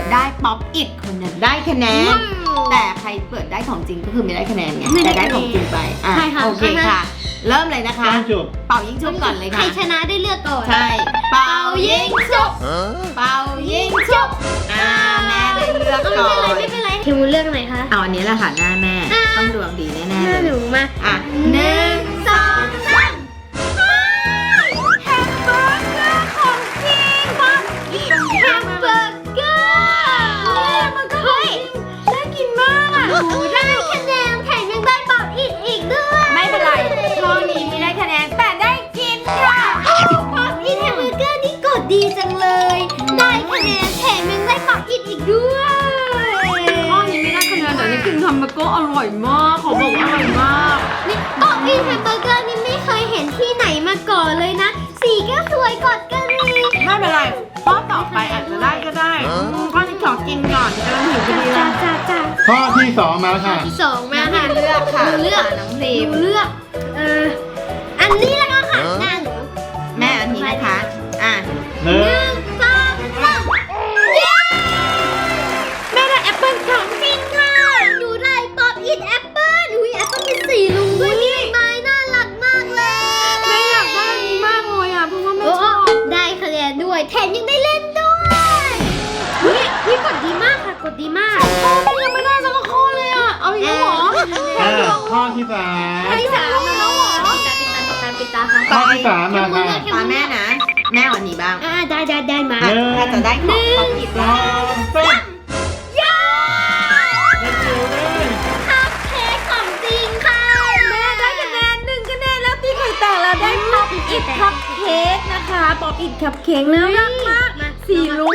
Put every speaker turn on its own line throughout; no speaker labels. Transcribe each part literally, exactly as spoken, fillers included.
ได้ป๊อปอิทคนนั้นได้คะแนนแต่ใครเปิดได้ของจริงก็คือไม่ได้คะแนนไงแต่ได้ของจริงไปอ่ะโอเคค่ะเริ่มเลยนะคะเป่ายิงฉุบก่อนเลยค่ะ
ใครชนะได้เลือกก่อน
ใช่เป่ายิงฉุบเป่ายิงฉุบอ่าแม่ได้เลือกก่อน
ไม่เป็นไรไม่เป็นไรคิวเลือกไหนคะ
เอาอันนี้แหละค่ะหน้าแม่ต้องดวงดีแน่ๆเลย
หนูมา
อ่ะหนึ่งสองสามแฮมเบอร์เกอร์ของจริงป๊อปอิทแฮมเบอร์เกอร์มันก็เฮ้ยน่ากินมากอ่ะ
หนูได้คะแนนแถมยังได้ป๊อปอิทอีกด้วย
ไม่เป็นไรข้อนี้ไม่ได้คะแนนแต่ได้กินค่ะ
ป๊อปอิทแฮมเบอร์เกอร์นี่กดดีจังเลยได้คะแนนแถมยังได้ป๊อปอิทอีกด้วย
ข้อนี้ไม่ได้คะแนนแต่นี่กินแฮมเบอร์เกอร์อร่อยมากเขาบอกว่าอร่อยมาก
นี่ป๊อปอิทแฮมเบอร์เกอร์นี่ไม่เคยเห็นที่ไหนมาก่อนเลยนะสีก็สวยกดกันเลย
ไม่เป็นไรข้อต่อไปอาจจะได้ก็ได้ข้อนี้ขอกินก่อนกำลังหิวพอดีเลย
จ้าจ้าจ้า
ข้อที่สองมาค่ะ
ที่สองมาค่ะ
เลือกค่ะ
เลือก
น้องพรีม
เลือกเอออันนี้แล้วก็ค่ะหน้าหนู
แม่อันนี้นะคะอ่ะ
หนึ่
หนึ่
ง
งสองสามเย้แม่ได้แอปเปิ้ลของจริงค่ะหนูได้ป๊อปอิทแอปเปิ้ลอุ้ยแอปเปิ้ลมีสีลุงด้วยพี่ไม้น่ารักมากเลย
แม่อยากได้อันนี้มากเลยอ่ะเพราะว่าแม่ชอบ
ได้คะแนนด้วยแถมยังได้เล่นด้วยอุ้ยพี่กดดีมากค่ะกดดีมาก
ข้อยังไม่ได้สักข้อเลยอ่ะเอาอีกแล้วเหรอ
อ่าข้อที่สาม
ข้อที่สามแล้วเหรอปิดตาปิดตาปิดตาปิดตาค่ะ
ข้อที่สามมาค่ะ
ตาแม่นะแม่วันนี้บ้าง
อ่าได้ได้ได้มา
หนึ่ง
ถ้าจะได้ของป๊อปอิท
สองสาม
ย่า
เด็กจิ๋วเลย
คัพเค้กของจริงค่ะ
แม่ได้คะแนนหนึ่งคะแนนแล้วตีไข่แตกแล้วได้ป๊อปอิทคัพเค้กนะคะป๊อปอิทคัพเค้กน่ารักมากสีลุ้ง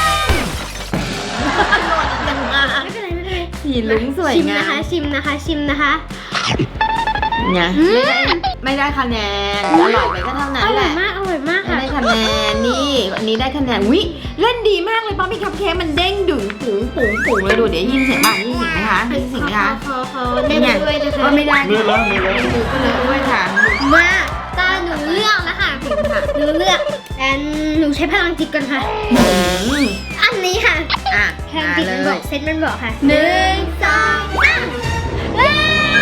ไม่เป็นไรไม่เป็นไร
สีลุ้งสวย
ชิม
งา
นะคะ
ม
ชิมนะคะชิมนะคะ
ไงไม่ได้ไม่ได้คะแนนอร่อยไปก็เท่า
อ
นั้น
ร่
แห
อย
ละ
มากอร่อยมาก
ไม่
ค่ะ
ได้คะแนนนี่อันนี้ได้คะแนนวิเล่นดีมากเลยป๊อปปี้คัพเค้กมันเด้งดึงปุ๋งปุ๋งปุ๋งเลยดูเดี๋ยวยินเสียงบ้างยินเสียงไหมคะยินเสียงไหมคะ
ขอขอเล่นด้วยนะคะ
ก็ไม่ได้
มือแล้วมือแล้ว
มือก็เลยด้วยค่ะ
มาตาหนูเลือกแล้วค่ะหนูเลือกอันหนูใช้พลังจิตก่อนค่ะ อันนี้ค่ะ
อ่ะ
พลัง
มา
จิต
เล
มันบ
ย
อกเซตมันบอกค่ะหนึ่งสองสามเฮ้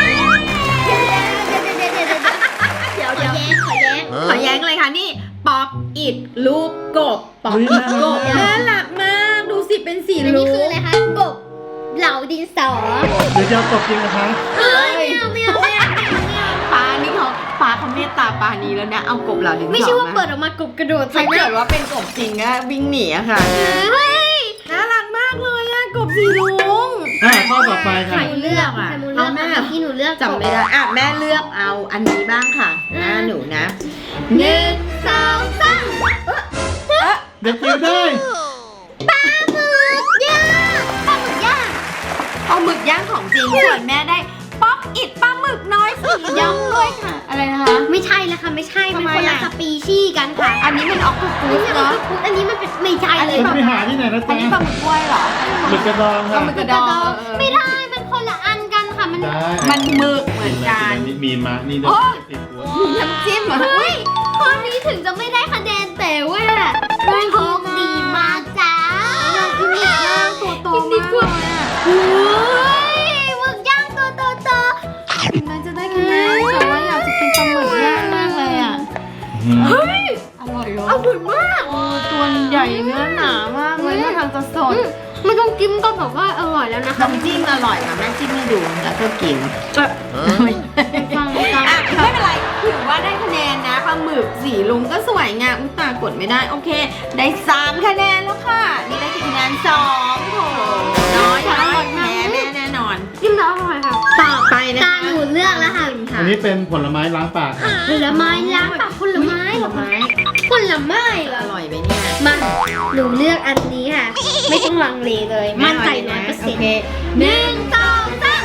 ยเดี๋ยวเดี๋ยวเดี๋ยวขอแย้งขอแย้ง
ขอแย้งเลยค่ะนี่ป๊อปอิทรูปกบป๊อปอิทกบน่ารักมากดูสิเป็นสี
อัน
ลุ้
นี้
ง
คืออะไรคะกบเหล่าดินสอ
เดี๋ยวจะเอากบจริงนะคะ
เฮ้ยไม่เอาไม่เอาไม่เอาไม่เอา
ปลานี่เขาปลาเขาเมตตาปลานี้แล้วนะเอากบเหล่านี้
ไม่ใช่ว่าเปิดออกมากบกระโดด
ถ้าเกิดว่าเป็นกบจริงอะวิ่งหนีอะค่ะ
เฮ้ย
น่ารักมากเลยอะกบสีลุง
อ่าข้อต่อไปค่ะ
หนูเลือกอะหนูเลือก
แม่
ที่หนูเลือก
จำไม่ได้อ่ะแม่เลือกเอาอันนี้บ้างค่ะหน้าหนูนะหนึ่ง
สองสาม
เด็กจิ๋วได้
ปลาหมึกย่างปลาหมึกย่าง
เอาหมึกย่างของจริงส่วนแม่ได้ป๊อปอิดปลาหมึกน้อยสีย่างด้วยค่ะอะไรนะคะ
ไม่ใช่แล้วค่ะไม่ใช่มัน
ทำไม
คนละ
อะ
สปีชีส์กันค่ะ
อันนี้มันออกตุกู
อัน
ส
นี้มัน
เนาะ
คืออันนี้มันเป็นไม่ใช่เลย
จะไปหาที่ไหนนะ
อัน
จ๊ะ
นี้ปลาหมึกกล้วยเหรอ
หมึกกระดอง
ปลา
ค่ะ
หมึกกระดอง
ไม่ได้มันคนละอันกันค่ะมัน
ได้
มันหมึกเหมือนกัน
มีมานี่ด้วยติดหัว
น้ำจิ้มเหรอ
เฮ้ยข้อนี้ถึงจะไม่ได้คะแนนแต่ว่าโชคดีมากจ้า
อยากกินหมึกย่างตัวโต
กินดี
มาก
กว่า
เลยอะ
เฮ้ยหมึกย่างตัวโต
ถึงแม้จะได้คะแนนแต่ว่าอยากจะกินปลาหมึกย่างมากเลยอ่ะ
ๆเฮ้ย
อร่อยเหรอ
อร่อยมาก
เออตัวใหญ่เนื้อหนามากเลยท่าทางจะสด
อืมไม่ต้องกินก็แบบว่าอร่อยแล้วนะคะ
น้ำจิ้มอร่อยค่ะแม่จิ้มให้ดูแล้วก็กิน
ฟังฟัง
อ่ะไม่เป็นไรถือว่าได้คะแนนนะปลาหมึกสีลุงก็สวยงามอุ้ยตากดไม่ได้โอเค ได้สามคะแนนแล้วค่ะนี่ได้กี่คะแนนสองโถน้อยน้อยแพ้แม่แน่นอน
กินแล้วอร่อยค่ะ
ต่อไปนะ
ตา
คะ
หนูเลือกแล้วค่ะ
อันนี้เป็นผลไม้ล้างปากค่ะ
ผลไม้ล้างปากผลไม้
ผลไม้
ผลไม้เหร
อ
อ
ร่อยไหมเนี่ย
มาหนูเลือกอันนี้ค่ะ ไม่ต้องลังเลเลย มั่นใจร้อยเปอร์เซ็นต์
โอเค
หนึ่งสองสาม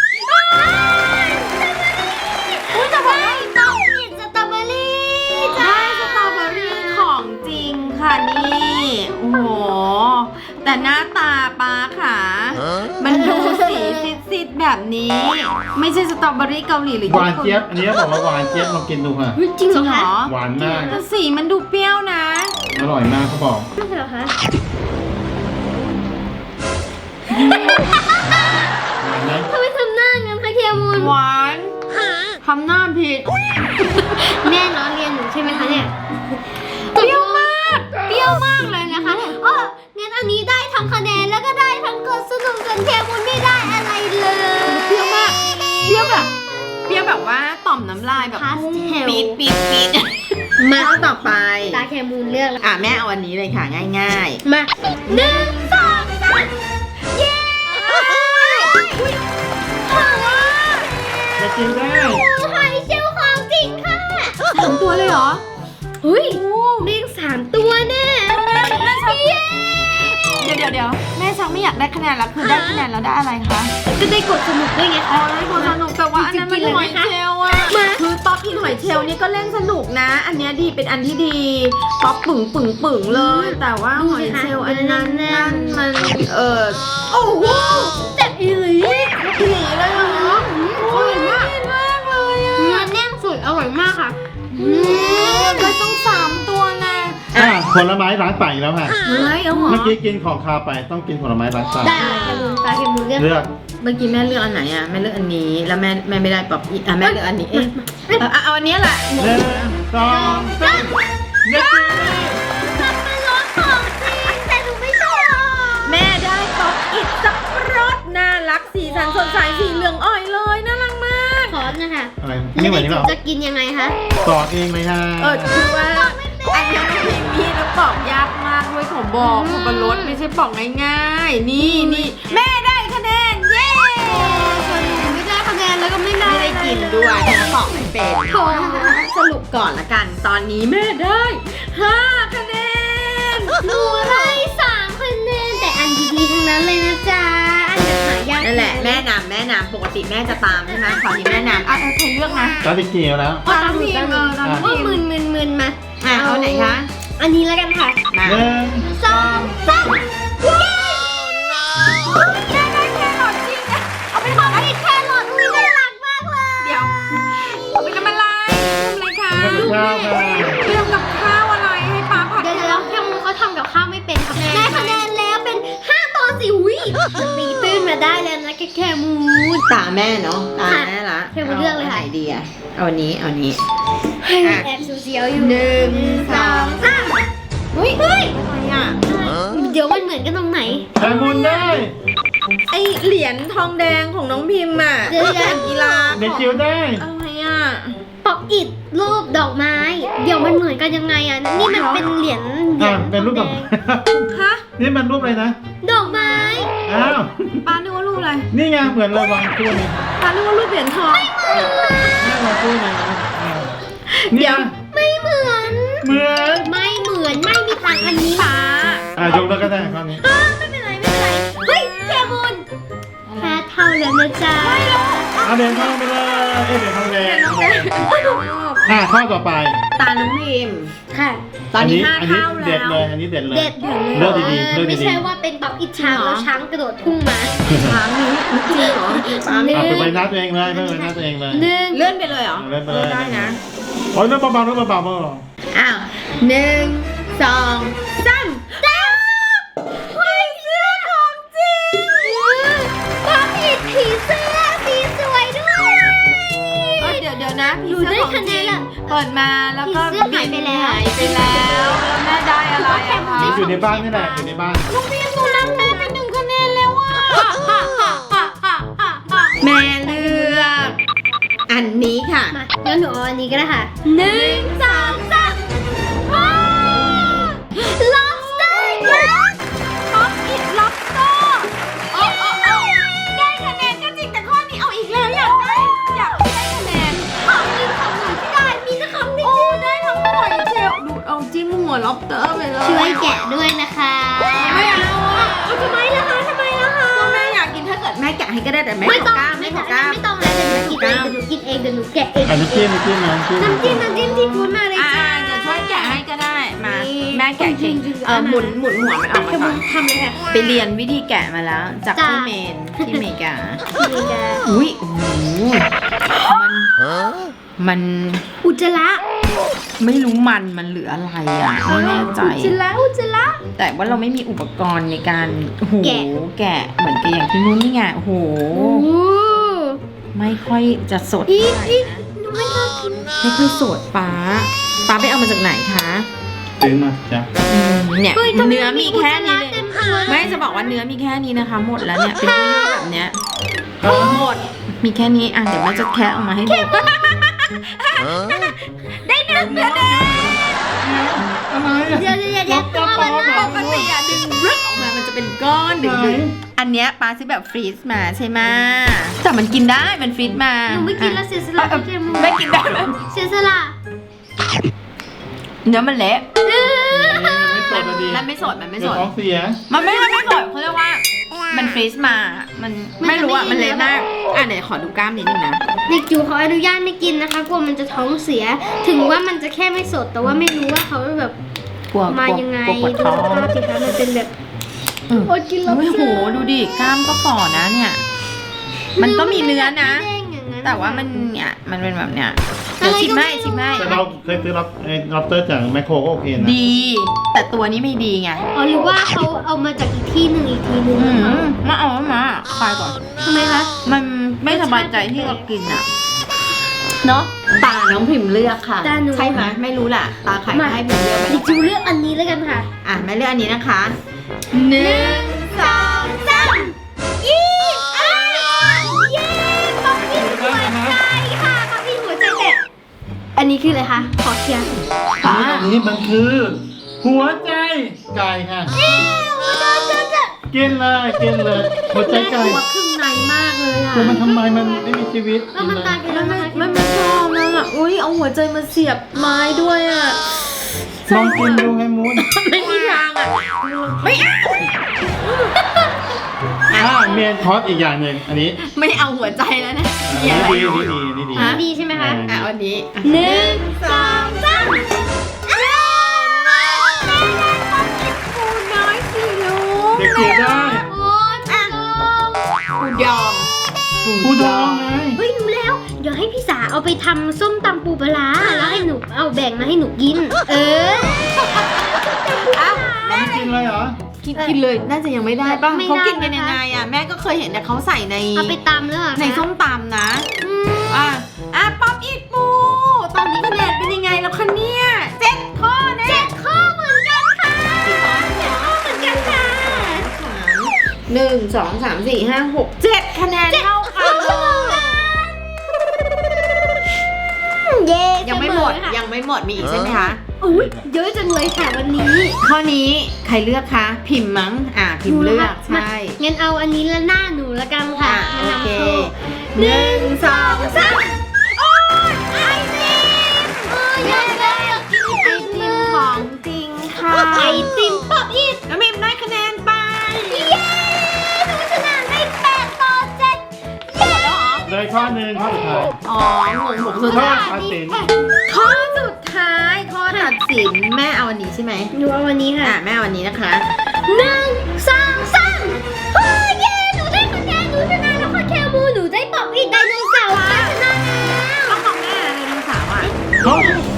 อุ้ยแต่ว่าต้องกินสตรอเบอรี่จ้า
ได้สตรอเบอรี่ของจริงค่ะนี่โอ้โหแต่หน้าตาปลาค่ะ มันดูสีซีดๆแบบนี้ ไม่ใช่สตรอเบอรี่เกาหลีหรือ
หวานเจี๊ยบ อันนี้บอกว่าหวานเจี๊ยบลองกินดูค่ะ
จริง
จริง
เหรอ
เหร
คะ
อ
หวานมาก
แต่สีมันดูเปรี้ยวนะ
อร่อยมากเขาบอก
ไม่ใช่เหรอคะ
หวานไหม
ทำไมทำหน้างั้นคะเคมูล
หวานทำหน้าผิด
แม่น้องเรียนหนูใช่ไหมคะเนี่ยเปรี้ยวมากเปรี้ยวมากเลยนะคะเอองั้นอันนี้ได้ทั้งคะแนนแล้วก็ได้ทั้งกดสนุกจนเคมูลไม่ได้อะไรเลย
เปรี้ยวมากเปรี้ยวแบบเปรี้ยวแบบว่าต่อมน้ำลายแบบ
พาสเทล
ปี๊ดปี๊ดปี๊ด
มา
ข้อต่อไป
ตาเคมูลเลือกแล้ว
อ่ะแม่เอาอันนี้เลยค่ะง่าย
มาหนึ่งสองสามเย้อุ๊ยหอม
จะกินได้
หอยเชลล์ของจริงค่ะ
ๆสองตัวเลยเหรอ
เฮ้ยเรียกสามตัวแน่
แม่ชักเดี๋ยวเดี๋ยวเดี๋ยวแม่ชักไม่อยากได้คะแนนแล้วคือได้คะแนนแล้วได้อะไรคะ
จะได้กดสนุกด้วยไง
อ๋อ
คะ
ได้คนสนุกแต่ว่าอันนั้นมันหอยเชลล์อะ
มา
คือป๊อปอินหอยเชลล์นี่ก็เล่นสนุกนะ อันเนี้ยดีเป็นอันที่ดีป๊อปปึ่งปึ่งปึ่งเลย แต่ว่าหอยเชลล์อันนั้นนั่นมันเออโอ้โห
แต่อีหลี
อีหลีเลยเหรออร่อยมากมากเลยอะ
เนื้อแน่นสุดอร่อยมากค่ะ
อืมก็ต้องสามตัวนะ
อ่ะผลไม้ล้างปากอีกแล้วค่ะ
เฮ้ยเอาเหรอ
เมื่อกี้กินของคาวไปต้องกินผลไม้ล้างปาก
ได้ค่ะเคมูลตาเคมูลเลือก
เลือก
เมื่อกี้แม่เลือกอันไหนอ่ะแม่เลือกอันนี้แล้วแม่แม่ไม่ได้ป๊อปอินอ่ะแม่เลือกอันนี้เอ๊ะเออเอาอันนี้แหละ
หนึ่งสองสามเด็กกิน
มันเป็นรสของจริงแต่หนูไม่ชอบ
แม่ได้ป๊อปอินสับปะรดน่ารักสีสันสดใสสีเหลืองอ่อยเลยน่ารักมาก
ซอสนะคะ
อะไรนี่เหมือนนี้เปล่า
จะกินยังไงคะ
สอดเองเลยค่ะ
เออคือว่าอันนี้มันพิมพ์พี่แล้วปอกยากมากด้วยของบอกสับปะรดไม่ใช่ปอกง่ายๆนี่นี่แม่ได้คะแนนเย้
ส่วนหนูไม่ได้คะแนนแล้วก็ไม่ได้
ไม่ได้กินด้วยเพราะปอกไม่เป็น
โถ่
สรุปก่อนละกัน ตอนนี้แม่ได้ห้าคะแนน
หนูได้สามคะแนนแต่อันดีๆทั้งนั้นเลยนะจ๊ะอันจะหายาก
นั่นแหละแม่นำแม่นำปกติแม่จะตามใช่ไหมคราวนี้แม่นำอ่ะเออใครเลือกนะ
ตอนที่กินแล้ว
ตามทีมเออตาม
ก็
ทีม
มึนมึนมึนมา
อ่ะเอาไหนคะ
อันนี้แล้วกันค่ะ
มา
หนึ่ง
สองสามเย้
ได้ได้แครอทจริงนะเอาไปทำอะไร
แครอทอุ้ยน่ารักมากเลย
เดี๋ยวเอาไปทำอะไรทำอะไรคะ
ทำกับข้าวค่ะ
เตรียมกับข้าวอะไรให้ป้าผัด
เดี๋ยวเดี๋ยวแค่มึงเขาทำกับข้าวไม่เป็นค่ะได้คะแนนแล้วเป็นห้าต่อสี่อุ้ยตีตื้นมาได้แล้วนะแค่แค่มูน
ตาแม่เนาะตาแม่ละ
เทมาเลือกเลยค่ะ
าไหนดีอ่ะเอาอันนี้เอาอันนี้
แอบเสียวๆอยู่
หนึ่งสอง
สามเฮ้ยเฮ้ย
อะไรอ่ะ
เดี๋ยวมันเหมือนกันตรงไหน
แคมุนได้
ไอเหรียญทองแดงของน้องพิมพ์อ่ะ
เดี๋ยวเดี๋ยว
กีฬา
เด็กจิ๋วได้
อะไรอ่ะ
ป๊อปอิดรูปดอกไม้ เดี๋ยวมันเหมือนกันยังไงอ่ะ นี่มันเป็นเหรียญเหรี
อ่ะ
ยญ
เป็นรูปดอก
แดง
ฮะ
นี่มันรูปอะไรนะ
ดอกไม้
อ้าว
ป้านึกว่ารูปอะไร
นี่ไงเหมือนเราวางคู่นี่
ป้านึกว่ารูปเหรียญทอง
นี่วางคู่นี่นะอ่าเนี่ย
ไม่เหมือน
เหมือน
ไม่เหมือน ไม่มีทางอันนี้
ป้า
อ่ะยกแล้วก็ได้ข้อนี้
อ้าวไม่เป็นไรไม่เป็นไร เฮ้ยแคมูนแพ้เท่าแล้วนะจ๊ะ
เอาเด่นทองไปเลยเอ้ยเด่นทองแดงอ่ะข้อต่อไป
ตาน้องพิมพ์
ค่ะ
ตอนนี้ห้า
อันนี้
เท่า
เด็ด
แล้ว
เลย อันนี้เด็ดเลย
เด็ด
เลือกดีๆเลือก
ไม่
ดี
ใช่ว่าเป็นป๊อปอิดช้างแล้วช้างกระโดดพุ่งมา
ช้างนี้จริงเหรอป้า
ๆ
ไม่
เอาไปไว้หน้าตัวเองเลยไปไว้หน้าตัวเองเลย
หนึ่ง
เลื่อนไปเลยเหรอ
เลื่อนไปเลย
ออได้นะ
โอ้ยเรื่องเบาๆเรื่องเบาๆเบา
อ้าวหนึ่งสองสามจ้าเฮ้ยเสื้อของจริง
ป๊อปอิดผีเสื้อสีสวยด้วย
เอ้ยเดี๋ยวเดี๋ยวนะผี
ดู
เสื้
ได้
อของ
คะ
จ
แน
ริ
น
ง
ละ
เปิดมาแล้วก็
ผีเสื้อหายไปแล้ว
หายไปแล้วแล้วแม่ได้อะไรอะคะ
ๆอยู่ในบ้านนี่แหละอยู่ในบ้าน
ลูกพี่หนูนำแม่ไปหนึ่งคะแนนแล้วอะแม่เลือกอันนี้ค่ะ
มางั้นหนูเอาอันนี้ก็ได้ค่ะหนึ่งสองสามว้าว lobster ยักษ์
ป๊อปอิดล็อบสเตอร์โอ้โอ้โอ้ได้คะแนนก็จริงแต่ข้อนี้เอาอีกแล้วอยากได้อยากได้คะแนน
ของจริงของหนูที่ได้มีแต่ของจริง
โอ้ได้ทั้งหอยเชลล์ดูดเอาจิ้มหัวล็อบสเตอร์ไปเลย
ช่วยแกะด้วยนะคะ
ไม่เอาอะ
เอาทำไมล่ะคะทำไมล่ะคะ
ก็แม่อยากกินถ้าเกิดแม่แกะให้ก็ได้แต่แม่
ไม่
ข
ต้
อ
อง
กล้าม
ไม่
แม่ข
ต้อ
อง กล้าม
ไม่ต้องแล้วเดี๋ยวหนูกินเองเดี๋ยวหนูกินเองเดี๋ยวหนูแกะเอง
อันนี้จิ้มน้ำจิ้มน้ำจิ้ม
น้ำจิ้มน้ำจิ้มที่พูดมาเลย
อ่า
จ้า
เดี๋ยวช่วยแกะให้ก็ได้มา
นี่
แม่แกะเก่ง
จริงๆ
เออหมุนหมุนหัวมันออกมา
แค่
ก่
มึ
อน
งทำเลยค่ะ
ไปเรียนวิธีแกะมาแล้ว จาก
จ้ะ
ที่เมนที่อเมริกา
นี่จ้า
อุ้ยโอ้โหมันมัน
อุจจาระ
ไม่รู้มันมันเหลืออะไรอ่ะไม่แน่ใจ
อุจจาระอุจจาระ
แต่ว่าเราไม่มีอุปกรณ์ในการโอ้โห
แกะ
แกะเหมือนกับอย่างที่นู้นนี่ไงโอ้โห
โอ้
ไม่ค่อยจะสด
อี
เท่าไหร่
อี
นะ
หนูไม่กล้ากิน
ไม่ค่อยสดป้าป้าไปเอามาจากไหนคะ
ซื้อมาจ้ะ
อืมเนี่ย
ฮ้ยทำไ
เนื้อมีแค่นี้
อุจจาระ
เลย
เต็มหัว
ไม่จะบอกว่าเนื้อมีแค่นี้นะคะ หมดแล้วเนี่ยเป็นยุ่ยๆแบบเนี้ยหมดมีแค่นี้อ่ะเดี๋ยวแม่จะแคะออกมาให้ดู
ได้หนึ่งคะแนน
อะไรอะ
เดี๋ยวเดี๋ยวเดี๋ยวเดี๋ยวตัวมัน
ป
น่ะ
กติอะดึงรึกออกมามันจะเป็นก้อนดึงดึงอันเนี้ยป้าซื้อแบบฟรีซมาใช่ไหมแต่มันกินได้มันฟรีซมา
หนูไม่กินแล้วเสียสละพี่เจมู
ไม่กินได้ไหม
เสียสละ
เนื้อมันเละ
เออ
ไม่สดอะดี
มันไม่สดมันไม่
เดี๋
ส
ยว
ด
ท้องเสีย
มันไม่มันไม่สดเขาเรียกว่ามันฟรีซมา มันไม่รู้อ่ะมันเละมากอ่ะเดี๋ยวขอดูกล้ามนิดนึงนะ
เด็กจิ๋วขออนุญาตไม่กินนะคะกลัวมันจะท้องเสีย ถึงว่ามันจะแค่ไม่สดแต่ว่าไม่รู้ว่าเขาแบบ
กลัว
มายังไง
กลัวปวด
ดู
ท้อ
ส
ง
ภาพสิคะมันเป็นแบบ
อืม
อดกินแล้ว
โอ้ยโหดูดิกล้ามก็ฝ่อนะเนี่ย มันก็มีเนื้อนะ
ไม่เด้งอย่างนั้น
แต่ว่ามันเนี่ยมันเป็นแบบเนี้ยเดี๋ยวชิมให้ชิมให้
แต่เราเคยซื้อรับไอ้รับเตอร์จากแมคโครก็โอเคนะ
ดี แต่ตัวนี้ไม่ดีไง
อ๋อหรือว่าเขาเอามาจากอีกที่หนึ่งอีกทีหนึ่ง
อื
นะคะ
มมาเอามาคลายก่อน
ทำไมคะ
มันไม่สบายใจที่เรากินอ่ะเนาะตาน้องพิมพ์เลือกค่ะ
ตาหนู
ใช่ไหมไม่รู้แหละตาใครก็ให้พิมพ์เลือกไป
เด็กจิ๋วเลือกอันนี้แล้วกันค่ะ
อ่ะแม่เลือกอันนี้นะคะหนึ่งสอง
สามยี่อ้าวเย้ป๊อปปี้หัวใจค่ะป๊อปปี้หัวใจแต่อันนี้คืออะไรคะขอเคลียร์
ป้า
อันนี้มันคือ หัวใจไก่ค่ะ
เอ๊ะหัวใจจะจะ
กินเลยกินเลยหัวใจไก่
ตัวครึ่งในมากเลยอ่ะ
แต่มันทำไมมันไม่มีชีวิต
แล้วมันตายไปแล้ว
ไม่
นะคะ
ไม่ไม่ชอบนะอ่ะอุ้ยเอาหัวใจมาเสียบไม้ด้วยอ่ะ
ลองกินดูไงมูน
ไม่มีทางอ่ะไม่เอา
อ่าเมียนทอสอีกอย่างหนึ่งอันนี้
ไม่เอาหัวใจแล้วนะ
อัน
เดี๋
นี้
ยว
ดีนี่ดีนี่ดี
อันนี้ดีใช่ไหมคะ
อ่ะอันนี้
หนึ่งสองสามอ้าวปูน้อยสิลูก
เด็กเกลียดได้
โอ้ยอ่ะ
ปูยอม
ผู้ดองไง
เฮ้ยรู้แล้ว เดี๋ยวให้พี่สาเอาไปทำส้มตำปูปลาร้าแล้วให้หนูเอาแบ่งมาให้หนูกิน เออ
อ้าว
เราไม่กินเลยเหรอ
กินกินเลยน่าจะยังไม่ได้ป่ะ
ไม่ได้
เขากินกัน
นะคะ
ยังไงอ่ะแม่ก็เคยเห็นแต่เขาใส่ใน
เอาไปตำเลยเหรอคะ
ในส้มตำนะ
อืม
อ่ะอ่ะป๊อปอีทปูตอนนี้คะแนนเป็นยังไงแล้วคะเนี่ยเจ็ดข้อแน่
เจ็ดข้อเหมือนกันค่ะเจ็ดข้อเหมือนกันค่ะ
หนึ่งสองสามสี่ห้าหกเจ็ดคะแนนเท่ากันเลย
เย้
ยังไม่หมด
เสอค่ะ
ยังไม่หมดมีอีกใช่ไหมคะ
อุ้ยเยอะจังเลยค่ะวันนี้
ข้อนี้ใครเลือกคะพิมพ์มั้งอ่ะพิมพ์เลือก
มา
ใช่
งั้นเอาอันนี้ละหน้าหนูละกันค่ะ
อ่ะ
มา
โอเค
นำโชว์
หนึ่งสองสาม
โอ้ยไอติมเอออยากได้อยากกินไอ
ไอ
ติ
ติ
ม
มของจริงค่ะ
ไอติมป๊อปอีท
น้องพิมพ์ได้คะแนนไป
เย้หนูชนะได้แปดต่อเจ็ดเย้
เลยข้อหนึ่งข้อสุดท้าย
อ๋องงหกสุด
ข้อ
ท้าย
ตัดสิน
ข้อสุดท้ายข้อตัดสินแม่เอาอันนี้ใช่ไหม
หนูเอาวันนี้ค่ะ
อ่ะแม่เอาอันนี้นะคะ
หนึ่งสองสามเฮ้ยเย้หนูได้คะแนนหนูชนะแล้วค่ะแคมูหนูได้ป๊อปอีทไดโนเสาร์ค่ะชนะแล้ว
ข้อของแม่ไดโนเสาร์อ่ะ
ข้อ